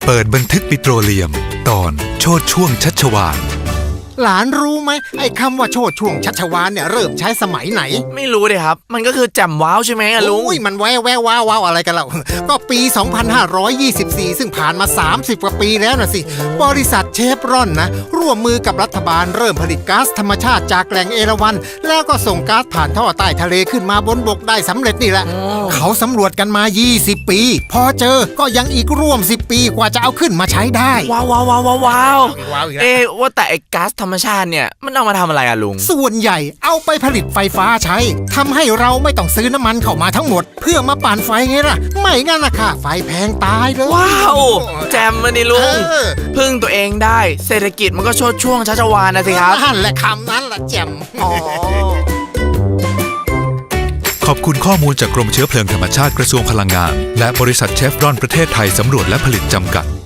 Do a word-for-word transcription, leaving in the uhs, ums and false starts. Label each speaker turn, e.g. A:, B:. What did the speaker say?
A: เปิดบันทึกปิโตรเลียมตอนโชติช่วงชัชวาล
B: หลานรู้ไหมไอ้คำว่าโชติช่วงชัชวาลเนี่ยเริ่มใช้สมัยไหน
C: ไม่รู้เลยครับมันก็คือแจ่มว้าวใช่ไหมอะลุง
B: อุ้ยมันแววแววว้าวว้าวอะไรกันเล่าก็ปี สองพันห้าร้อยยี่สิบสี่ ซึ่งผ่านมาสามสิบกว่าปีแล้วนะสิบริษัทเชฟรอนนะร่วมมือกับรัฐบาลเริ่มผลิตก๊าซธรรมชาติจากแหล่งเอราวัณแล้วก็ส่งก๊าซผ่านท่อใต้ทะเลขึ้นมาบนบกได้สำเร็จนี่แหละเขาสำรวจกันมายี่สิบปีพอเจอก็ยังอีกร่วมสิบปีกว่าจะเอาขึ้นมาใช้ได้
C: ว้าวว้าวว้าวว้าวเอ๊ะว่าแต่ไอ้ก๊าซธรรมชาติเนี่ยมันเอามาทำอะไรอะลุง
B: ส่วนใหญ่เอาไปผลิตไฟฟ้าใช้ทำให้เราไม่ต้องซื้อน้ำมันเข้ามาทั้งหมดเพื่อมาปั่นไฟไงล่ะไม่งั้นนะค่ะไฟแพงตายเลย
C: ว้าวแจมมาดิลุงพึ่งตัวเองได้เศรษฐกิจมันก็โชดช่วงชัชวาลนะสิครับ
B: นั่นแหละคำนั้นแหละแจม
A: ขอบคุณข้อมูลจากกรมเชื้อเพลิงธรรมชาติกระทรวงพลังงานและบริษัทเชฟรอนประเทศไทยสำรวจและผลิตจำกัด